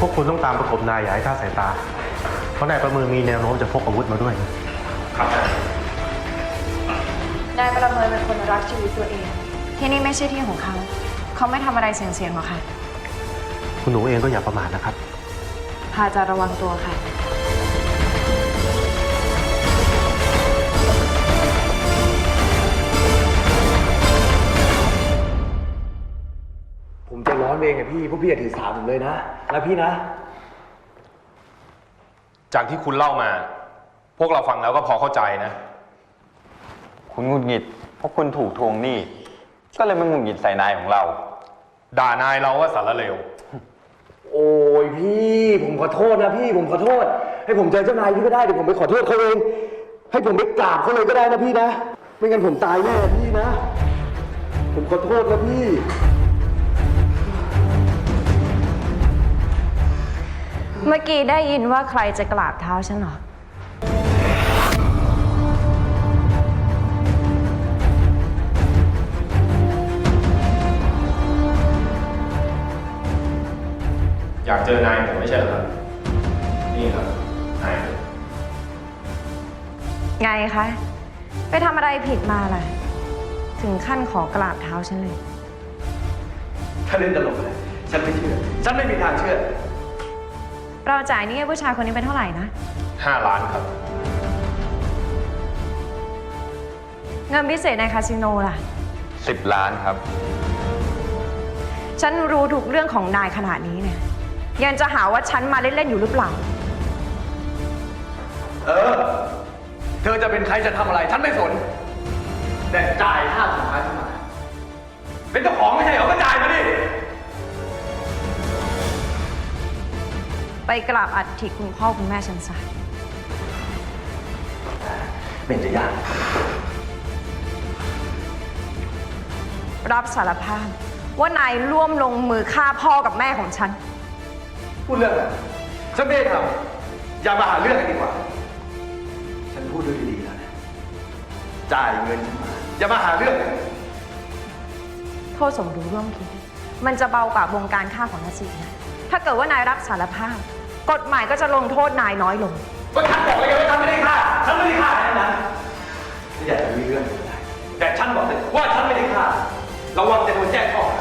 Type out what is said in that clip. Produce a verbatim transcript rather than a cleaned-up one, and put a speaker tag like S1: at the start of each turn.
S1: วกคุณต้องตามประกบนายอย่าให้คลาดสายตาเพราะนายประเมินมีแนวโน้มจะพกอาวุธมาด้วยครับ
S2: นายประเมินเป็นคนรักชีวิตตัวเองที่นี่ไม่ใช่ที่ของเขาเขาไม่ทำอะไรเสี่ยงๆหรอกค่ะ
S1: คุณหนูเองก็อย่าประมาทนะครับ
S2: พาจะระวังตัวค่ะ
S3: ผมจะร้อนเองอะพี่พวกพี่อย่าถือสาผมเลยนะแล้วพี่นะ
S4: จากที่คุณเล่ามาพวกเราฟังแล้วก็พอเข้าใจนะ
S5: คุณหงุดหงิดเพราะคุณถูกทวงหนี้ก็เลยมาหงุดหงิดใส่นายของเรา
S4: ด่านายเราว่าสารเลว
S3: โอ้ยพี่ผมขอโทษนะพี่ผมขอโทษให้ผมเจอเจ้านายพี่ก็ได้เดี๋ยวผมไปขอโทษเขาเองให้ผมไปกราบเขาเลยก็ได้นะพี่นะไม่งั้นผมตายแน่พี่นะผมขอโทษนะพี่
S2: เมื่อกี้ได้ยินว่าใครจะกราบเท้าฉันเหรอ
S4: อยากเจอนายผมไม่ใช่เหรอครับนี่ครับนาย
S2: ไงคะไปทำอะไรผิดมาล่ะถึงขั้นขอกราบเท้าฉันเลย
S3: ถ้าเล่นตลกเลยฉันไม่เชื่อฉันไม่มีทางเชื่อ
S2: เราจ่ายนี่ให้ผู้ชายคนนี้เป็นเท่าไหร่นะ
S4: ห้าล้านครับ
S2: เงินพิเศษในคาสิโนล่ะ
S5: สิบล้านครับ
S2: ฉันรู้ทุกเรื่องของนายขนาดนี้เนี่ยยังจะหาว่าฉันมาเล่นๆอยู่หรือเปล่า
S3: เออเธอจะเป็นใครจะทำอะไรฉันไม่สนแต่จ่ายค่าสินค้าฉันมาเป็นเจ้าของไม่ใช่เหรอก็จ่ายมาดิ
S2: ไปกราบอัฐิคุณพ่อคุณแม่ฉันซะ
S3: เป็นจะยาก
S2: รับสารภาพว่านายร่วมลงมือฆ่าพ่อกับแม่ของฉัน
S3: พูดเรื่องอะไรฉันไม่ได้ทำอย่ามาหาเรื่องกันดีกว่าฉันพูดด้วยดีๆแล้วนะจ่ายเงินฉันมาอย่ามาหาเรื่อง
S2: โทษสมรู้ร่วมคิดมันจะเบากว่าบงการฆ่าของนสินะถ้าเกิดว่านายรับสารภาพกฎหมายก็จะลงโทษนายน้อยลง
S3: ก็ฉันบอกเลยว่าฉันไม่ได้ฆ่าฉันไม่ได้ฆ่าแค่นั้นไม่อยากจะมีเรื่องอะไรแต่ฉันบอกเลยว่าฉันไม่ได้ฆ่าระวังจะโดนแจ้งข้อหา